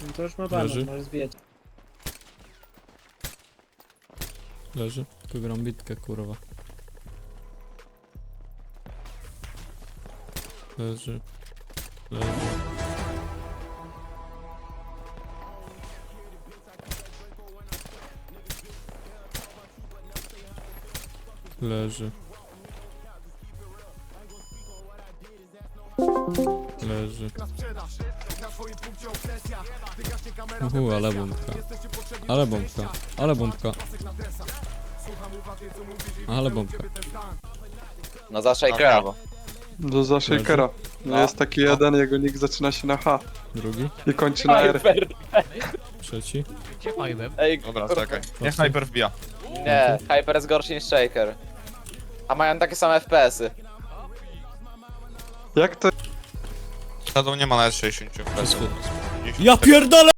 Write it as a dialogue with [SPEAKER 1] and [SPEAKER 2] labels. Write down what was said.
[SPEAKER 1] No to już ma banę,
[SPEAKER 2] Leży.
[SPEAKER 1] możesz zbijać.
[SPEAKER 2] Leży. Wygram bitkę, kurwa. Leży. Leży. Leży. Leży. Ale bombka. Ale bombka. Ale bombka. Ale bombka.
[SPEAKER 3] No za Shakera, bo.
[SPEAKER 4] Za Shakera. No
[SPEAKER 3] No.
[SPEAKER 4] jest taki jeden, jego nick zaczyna się na H
[SPEAKER 2] Drugi.
[SPEAKER 4] i kończy na R.
[SPEAKER 2] Trzeci.
[SPEAKER 3] Ej,
[SPEAKER 5] Dobra,
[SPEAKER 3] kurwa.
[SPEAKER 5] czekaj. Niech Hyper wbija.
[SPEAKER 3] Nie, Hyper jest gorszy niż Shaker. A mają takie same FPS-y.
[SPEAKER 4] Jak to
[SPEAKER 5] Shadow nie ma nawet 60 FPS.
[SPEAKER 2] Ja pierdolę!